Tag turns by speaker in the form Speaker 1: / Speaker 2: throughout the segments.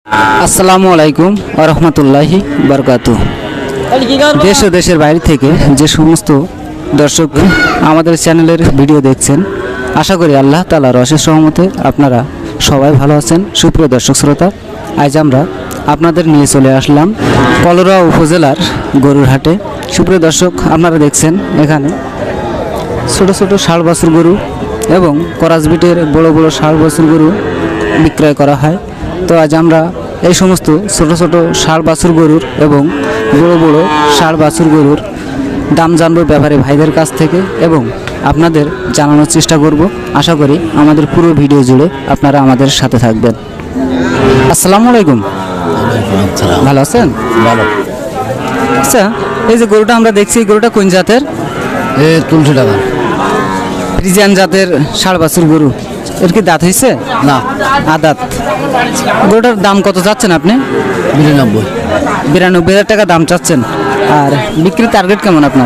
Speaker 1: আসসালামু আলাইকুম ওয়া রাহমাতুল্লাহি বারাকাতুহু। দেশ ও দেশের বাইরে থেকে যে সমস্ত দর্শক আমাদের চ্যানেলের ভিডিও দেখছেন, আশা করি আল্লাহ তাআলার অশেষ রহমতে আপনারা সবাই ভালো আছেন। সুপ্রিয় দর্শক শ্রোতা, আজ আমরা আপনাদের নিয়ে চলে আসলাম কলরা উপজেলার গরুর হাটে। সুপ্রিয় দর্শক, আপনারা দেখছেন এখানে ছোট ছোট ষাঁড় বাছুর গরু এবং করাসবিটের বড় বড় ষাঁড় বাছুর গরু বিক্রয় করা হয়। তো আজ আমরা এই সমস্ত ছোট ছোট ষাঁড় বাছুর গরুর এবং বড় বড় ষাঁড় বাছুর গরুর দাম জানবো ব্যাপারে ভাইদের কাছ থেকে এবং আপনাদের জানানোর চেষ্টা করব। আশা করি আমাদের পুরো ভিডিও জুড়ে আপনারা আমাদের সাথে থাকবেন। আসসালামু আলাইকুম, ভালো আছেন?
Speaker 2: ভালো।
Speaker 1: আচ্ছা, এই যে গরুটা আমরা দেখছি, এই গরুটা কোন জাতের?
Speaker 2: তুলসী টাকা
Speaker 1: ফ্রিজিয়ান জাতের ষাঁড় বাছুর গরু। এর কি দাঁত হয়েছে?
Speaker 2: না,
Speaker 1: আদাত। গরুটার দাম কত চাচ্ছেন আপনি?
Speaker 2: 92।
Speaker 1: 92,000 টাকা দাম চাচ্ছেন। আর বিক্রির টার্গেট কেমন আপনার?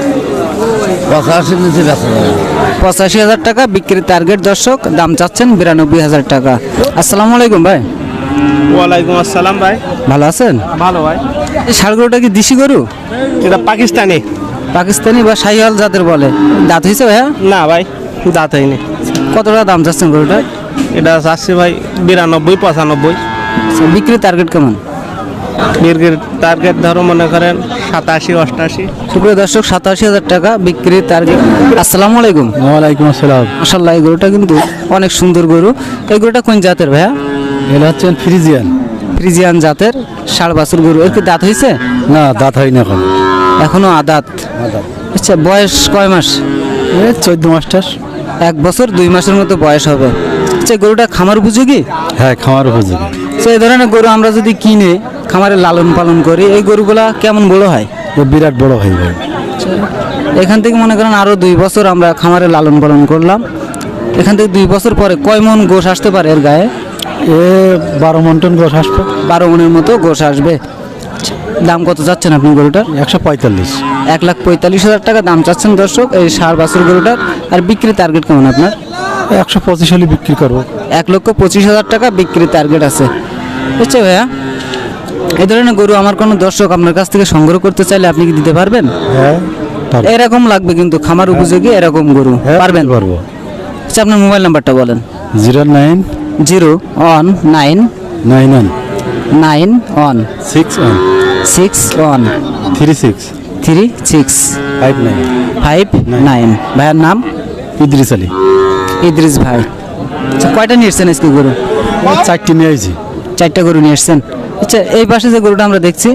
Speaker 2: 85 নিচে বেচা যাবে।
Speaker 1: 85,000 টাকা বিক্রির টার্গেট। দর্শক, দাম চাচ্ছেন 92,000 টাকা। আসসালামু আলাইকুম ভাই।
Speaker 3: ওয়ালাইকুম আসসালাম ভাই।
Speaker 1: ভালো আছেন?
Speaker 3: ভালো ভাই।
Speaker 1: এই ষাঁড় গরুটা কি দেশি গরু?
Speaker 3: এটা পাকিস্তানি।
Speaker 1: পাকিস্তানি বা শাহিওয়াল জাতের বলে। দাঁত হয়েছে ভাইয়া?
Speaker 3: না ভাই, দাঁত হয়নি।
Speaker 1: কত টাকা দাম চাচ্ছেন গরুটা?
Speaker 3: এটা চাচ্ছি ভাই 92, 95।
Speaker 1: বিক্রির টার্গেট কেমন?
Speaker 3: দীর্ঘের টার্গেট ধরো মনে করেন 87, 88।
Speaker 1: সুপ্রিয় দর্শক, 87,000 টাকা বিক্রির টার্গেট। আসসালামু আলাইকুম।
Speaker 2: ওয়ালাইকুম আসসালাম।
Speaker 1: মাশাআল্লাহ, এই গরুটা কিন্তু অনেক সুন্দর গরু। এই গরুটা কোন জাতের ভাইয়া?
Speaker 2: এটা হচ্ছেন ফ্রিজিয়ান।
Speaker 1: ফ্রিজিয়ান জাতের ষাঁড় বাছুর গরু। এর কি দাঁত হয়েছে?
Speaker 2: না, দাঁত হয়নি এখন।
Speaker 1: এখনো আদাত। আচ্ছা, বয়স কয় মাস?
Speaker 2: 14 মাস্টার।
Speaker 1: 1 বছর 2 মাসের মতো বয়স হবে। আচ্ছা, গরুটা খামার উপযোগী?
Speaker 2: হ্যাঁ, খামার উপযোগী।
Speaker 1: আচ্ছা, এই ধরনের গরু আমরা যদি কিনে খামারে লালন পালন করি, এই গরুগুলা কেমন বড় হয়?
Speaker 2: ও বিরাট বড় হয়ে যাবে।
Speaker 1: এখান থেকে মনে করেন আরো 2 বছর আমরা খামারে লালন পালন করলাম, এখান থেকে 2 বছর পরে কয় মন গোশ আসতে পারে এর গায়ে?
Speaker 2: 12 মন টন গোশ আসবে।
Speaker 1: 12 মনের মতো গোশ আসবে। দাম কত চাচ্ছেন আপনি গরুটার?
Speaker 2: 145।
Speaker 1: 1,45,000 টাকা দাম চাচ্ছেন দর্শক এই ষাঁড় বাছুর গরুটার। আর বিক্রির টার্গেট কেমন আপনার?
Speaker 2: 125 হলে বিক্রি করবো।
Speaker 1: 1,25,000 টাকা বিক্রির টার্গেট আছে। বুঝছো ভাইয়া, এই ধরনের গরু আমার কোনো দর্শক আপনার কাছ থেকে সংগ্রহ করতে চাইলে আপনি কি দিতে পারবেন?
Speaker 2: হ্যাঁ,
Speaker 1: এরকম লাগবে কিন্তু খামার উপযোগী এরকম গরু পারবেন?
Speaker 2: পারবো।
Speaker 1: আচ্ছা, আপনার মোবাইল নাম্বারটা বলেন।
Speaker 2: 09
Speaker 1: 019
Speaker 2: 91
Speaker 1: 91
Speaker 2: 61
Speaker 1: 61
Speaker 2: 36
Speaker 1: 36
Speaker 2: 59
Speaker 1: 59। ভাইয়ার নাম?
Speaker 2: ইদ্রিস আলী।
Speaker 1: ইদ্রিস ভাই। আচ্ছা, কয়টা নিয়ে এসছেন আজকে গরু?
Speaker 2: 4টি নিয়ে আইছি।
Speaker 1: 4টা গরু নিয়ে এসছেন। আচ্ছা, এই পাশে যে গরুটা আমরা দেখছি,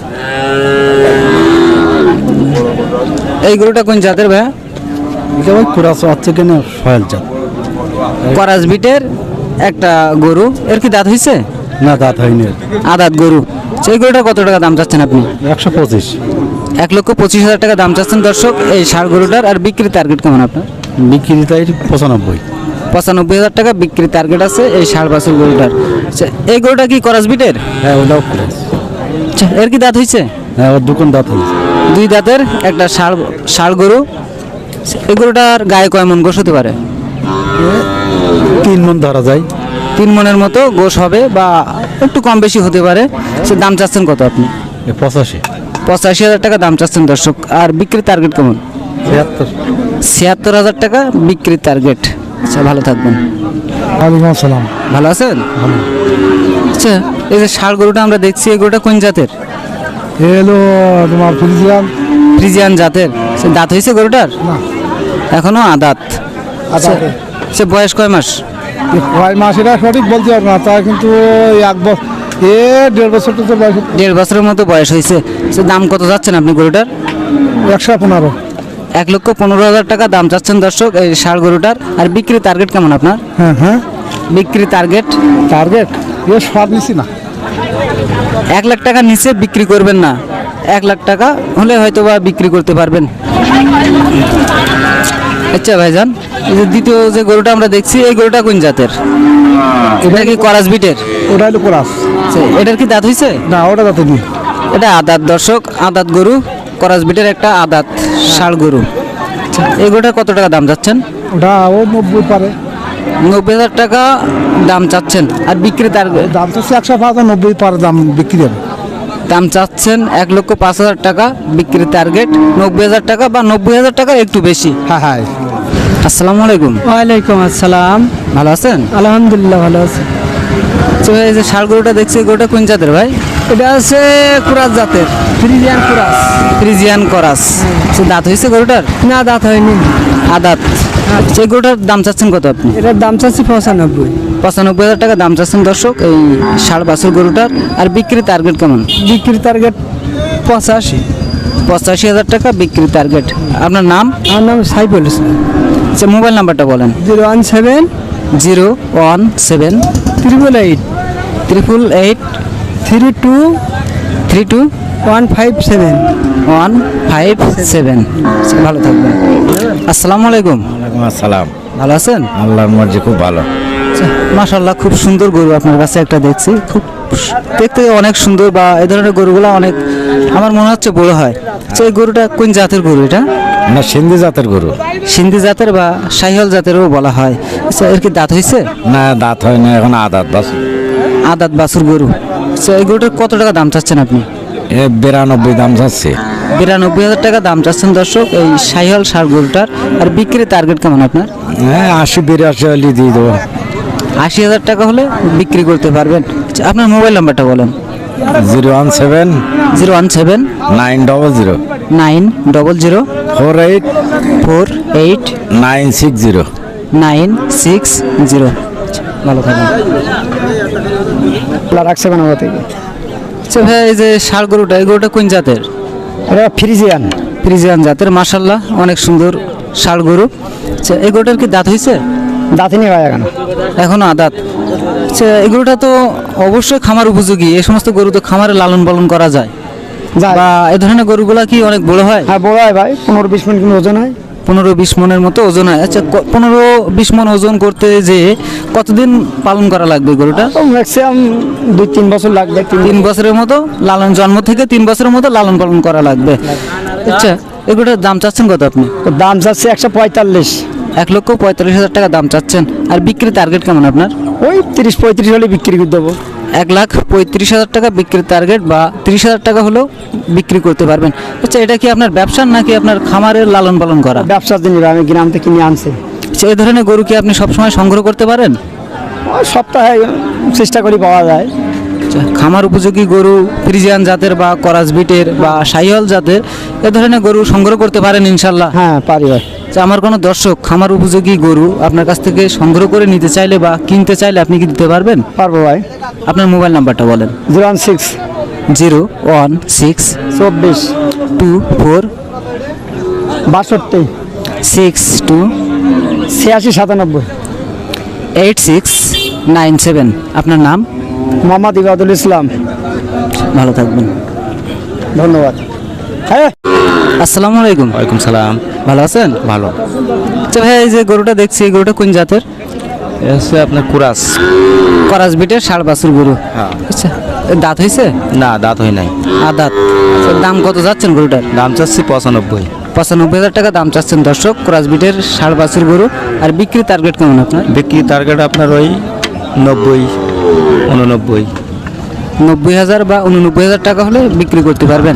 Speaker 1: এই গরুটা কোন জাতের ভাইয়া?
Speaker 2: এটা ভাই পুরা হচ্ছে কেন সয়াল জাত।
Speaker 1: করাসবিটের একটা গরু। এর কি দাঁত হয়েছে?
Speaker 2: না, দাঁত হয়নি।
Speaker 1: আদাত গরু। সেই গরুটা কত টাকা দাম চাচ্ছেন আপনি?
Speaker 2: 125।
Speaker 1: 1,25,000 টাকা দাম চাচ্ছেন দর্শক এই ষাঁড় গরুটার। আর বিক্রির টার্গেট কেমন আপনার?
Speaker 2: বিক্রি তাই 95।
Speaker 1: 95,000 টাকা বিক্রির টার্গেট আছে এই ষাঁড় বাছুর গরুটার। আচ্ছা, এই গরুটা কি করাসবিটের?
Speaker 2: হ্যাঁ, ওটাও ক্রস।
Speaker 1: আচ্ছা, এর কি দাঁত হয়েছে?
Speaker 2: হ্যাঁ, ওর দুকন দাঁত হয়েছে।
Speaker 1: 2 দাঁতের একটা ষাঁড় গরু। এই গরুটার গায়ে কয় মন গোশ হতে পারে?
Speaker 2: 3 মন ধরা যায়।
Speaker 1: 3 মনের মতো গোশ হবে বা একটু কম বেশি হতে পারে। সে দাম চাচ্ছেন কত আপনি?
Speaker 2: 85।
Speaker 1: 85,000 টাকা দাম চাচ্ছেন দর্শক। আর বিক্রির টার্গেট কেমন?
Speaker 2: 76।
Speaker 1: 76,000 টাকা বিক্রির টার্গেট। আচ্ছা, ভালো থাকবেন।
Speaker 2: ওয়ালাইকুম আসসালাম।
Speaker 1: ভালো আছেন? আচ্ছা, এই যে ষাঁড় গরুটা আমরা দেখছি, এই গরুটা কোন জাতের?
Speaker 2: এলো তোমার ফ্রিজিয়ান।
Speaker 1: ফ্রিজিয়ান জাতের। সে দাঁত হয়েছে গরুটার?
Speaker 2: না,
Speaker 1: এখনো আদাত। আচ্ছা, সে বয়স কয় মাস?
Speaker 2: কয় মাস এটা সঠিক বলতে পারবো না, তা কিন্তু 1 বছর 1.5 বছর তো বয়স।
Speaker 1: 1.5 বছরের মতো বয়স হয়েছে। সে দাম কত যাচ্ছেন আপনি গরুটার?
Speaker 2: 115।
Speaker 1: 1,15,000 টাকা দাম চাচ্ছেন দর্শক এই ষাঁড় গরুটার। আর বিক্রির টার্গেট কেমন আপনার?
Speaker 2: হ্যাঁ হ্যাঁ,
Speaker 1: বিক্রির টার্গেট
Speaker 2: টার্গেট এ সব নিছি না।
Speaker 1: 1 লাখ টাকা নিচে বিক্রি করবেন না? 1 লাখ টাকা হলে হয়তো বা বিক্রি করতে পারবেন। আচ্ছা ভাইজান, এই যে দ্বিতীয় যে গরুটা আমরা দেখছি, এই গরুটা কোন জাতের? এটা কি করাসবিটের?
Speaker 2: ওটা হলো ক্রস।
Speaker 1: আচ্ছা, এটার কি দাঁত হয়েছে?
Speaker 2: না, ওটা দাঁত নেই।
Speaker 1: এটা আদাত দর্শক, আদাত গরু, করাসবিটের একটা আদাত ষাঁড় গরু। আচ্ছা, এই গরুটার কত টাকা দাম যাচ্ছেন?
Speaker 2: ওটা ও 90 পারে।
Speaker 1: 90,000 টাকা দাম চাচ্ছেন আর বিক্রি টার্গেট
Speaker 2: দাম তো 105,90 পার দাম বিক্রি হবে।
Speaker 1: দাম চাচ্ছেন 1,05,000 টাকা, বিক্রি টার্গেট 90,000 টাকা বা 90,000 টাকা একটু বেশি।
Speaker 2: হ্যাঁ হ্যাঁ।
Speaker 1: আসসালামু আলাইকুম।
Speaker 4: ওয়ালাইকুম আসসালাম।
Speaker 1: ভালো আছেন?
Speaker 4: আলহামদুলিল্লাহ ভালো আছে।
Speaker 1: তো ভাই এই যে ষাঁড় গরুটা দেখছি, গরুটা কোন জাতের ভাই?
Speaker 4: এটা আছে কুরাস জাতের, ফ্রিজিয়ান কুরাস।
Speaker 1: ফ্রিজিয়ান করাস। সে দাঁত হয়েছে গরুটার?
Speaker 4: না, দাঁত হয়নি।
Speaker 1: আদাত। সেই গরুটার দাম চাচ্ছেন কত আপনি?
Speaker 4: এটার দাম চাচ্ছি 95।
Speaker 1: 95,000 টাকা দাম চাচ্ছেন দর্শক এই ষাঁড় বাছুর গরুটার। আর বিক্রি টার্গেট কেমন?
Speaker 4: বিক্রির টার্গেট 85।
Speaker 1: 85,000 টাকা বিক্রি টার্গেট। আপনার নাম?
Speaker 4: আমার নাম সাইফুল ইসলাম।
Speaker 1: আচ্ছা, মোবাইল নাম্বারটা বলেন।
Speaker 4: 017
Speaker 1: 017
Speaker 4: 888
Speaker 1: 888
Speaker 4: 32
Speaker 1: 32
Speaker 4: 157।
Speaker 1: 157। ভালো থাকবেন। আসসালামু আলাইকুম।
Speaker 5: আসসালাম।
Speaker 1: ভালো আছেন?
Speaker 5: আল্লাহর মর্জি খুব ভালো।
Speaker 1: মাশাআল্লাহ, খুব সুন্দর গরু আপনার কাছে একটা দেখছি, খুব দেখতে অনেক সুন্দর, বা এই ধরনের গরুগুলো অনেক আমার মনে হচ্ছে বড় হয়। আচ্ছা, এই গরুটা কোন জাতের গরু? এটা
Speaker 5: না, সিন্ধি জাতের গরু।
Speaker 1: সিন্ধি জাতের বা শাহিওয়াল জাতেরও বলা হয়। আচ্ছা, এর কি দাঁত হয়েছে?
Speaker 5: না, দাঁত হয় না, এখন আদাত বাস।
Speaker 1: আদাত বাছুর গরু। আচ্ছা, এই গরুটার কত টাকা দাম চাচ্ছেন আপনি?
Speaker 5: 92 দাম যাচ্ছে।
Speaker 1: 92,000 টাকা দাম চাচ্ছেন দর্শক এই শাহিওয়াল ষাঁড় গরুটার। আর বিক্রির টার্গেট কেমন আপনার?
Speaker 5: হ্যাঁ, 80-82 হলে দিয়ে দেবো।
Speaker 1: 80,000 টাকা হলে বিক্রি করতে পারবেন। আচ্ছা, আপনার মোবাইল নাম্বারটা বলেন।
Speaker 5: 017
Speaker 1: 017
Speaker 5: 900
Speaker 1: 900
Speaker 5: 48
Speaker 1: 48
Speaker 5: 960।
Speaker 1: 960। ভালো থাকবেন।
Speaker 4: রাখছে বানাবো থেকে।
Speaker 1: আচ্ছা ভাই, এই যে ষাঁড় গরুটা, এই গরুটা কোন জাতের?
Speaker 4: এটা ফ্রিজিয়ান।
Speaker 1: ফ্রিজিয়ান জাতের। মাশাআল্লাহ, অনেক সুন্দর ষাঁড় গরু। আচ্ছা, এই গরুটার কি দাঁত হয়েছে?
Speaker 4: দাঁতিনি হয় এখন।
Speaker 1: এখনো আদাত। আচ্ছা, এই গরুটা তো অবশ্যই খামার উপযোগী। এই সমস্ত গরু তো খামারে লালন পালন করা যায়, বা এই ধরনের গরুগুলা কি অনেক বড় হয়?
Speaker 4: হ্যাঁ, বড় হয় ভাই, 15-20 মিনিট কিন্তু ওজন হয়।
Speaker 1: 15-20 মনের মতো ওজন হয়। আচ্ছা, 15-20 মন ওজন করতে যে কতদিন পালন করা লাগবে গরুটা?
Speaker 4: ম্যাক্সিমাম 2-3 বছর লাগবে।
Speaker 1: 3 বছরের মতো লালন, জন্ম থেকে 3 বছরের মতো লালন পালন করা লাগবে। আচ্ছা, এগুলোর দাম চাচ্ছেন কত আপনি?
Speaker 4: দাম চাচ্ছে 145।
Speaker 1: 1,45,000 টাকা দাম চাচ্ছেন। আর বিক্রি টার্গেট কেমন আপনার?
Speaker 4: ওই 30-35 হলে বিক্রি করে দেবো।
Speaker 1: 1,35,000 টাকা বিক্রির টার্গেট, বা 30,000 টাকা হলেও বিক্রি করতে পারবেন। আচ্ছা, এটা কি আপনার ব্যবসার নাকি আপনার খামারের লালন পালন করা?
Speaker 4: ব্যবসার জন্য আমি গ্রাম থেকে কিনে আনছি।
Speaker 1: আচ্ছা, এই ধরনের গরু কি আপনি সবসময় সংগ্রহ করতে পারেন?
Speaker 4: ওই সপ্তাহে চেষ্টা করি পাওয়া যায়।
Speaker 1: আচ্ছা, খামার উপযোগী গরু ফ্রিজিয়ান জাতের বা করাস বিটের বা শাহিওয়াল জাতের এ ধরনের গরু সংগ্রহ করতে পারেন ইনশাল্লাহ।
Speaker 4: হ্যাঁ, পারি ভাই।
Speaker 1: আচ্ছা, আমার কোনো দর্শক খামার উপযোগী গরু আপনার কাছ থেকে সংগ্রহ করে নিতে চাইলে বা কিনতে চাইলে আপনি কি দিতে পারবেন?
Speaker 4: পারবো ভাই।
Speaker 1: আপনার মোবাইল নাম্বারটা বলেন।
Speaker 4: 016
Speaker 1: 016
Speaker 4: 24
Speaker 1: 24
Speaker 4: 62
Speaker 1: 62
Speaker 4: 86 97।
Speaker 1: 8697। আপনার নাম?
Speaker 4: মোহাম্মদ ইবাদুল ইসলাম।
Speaker 1: ভালো থাকবেন।
Speaker 4: ধন্যবাদ। হ্যাঁ,
Speaker 1: আসসালামু আলাইকুম।
Speaker 5: ওয়ালাইকুম সালাম।
Speaker 1: ভালো আছেন?
Speaker 5: ভালো।
Speaker 1: আচ্ছা ভাই, এই যে গরুটা দেখছি, এই গরুটা কোন জাতের?
Speaker 5: হচ্ছে আপনার কুরাস।
Speaker 1: করাস বিটের ষাঁড় বাছুর গরু।
Speaker 5: হ্যাঁ।
Speaker 1: আচ্ছা, এর দাঁত হয়েছে?
Speaker 5: না, দাঁত হয় নাই।
Speaker 1: আদাত। আচ্ছা, দাম কত যাচ্ছেন গরুটার?
Speaker 5: দাম চাচ্ছি 95।
Speaker 1: 95,000 টাকা দাম চাচ্ছেন দর্শক ক্রস বিটের ষাঁড় বাছুর গরু। আর বিক্রি টার্গেট কেমন আপনার?
Speaker 5: বিক্রি টার্গেট আপনার ওই 90 89।
Speaker 1: 90,000 বা 89,000 টাকা হলে বিক্রি করতে পারবেন।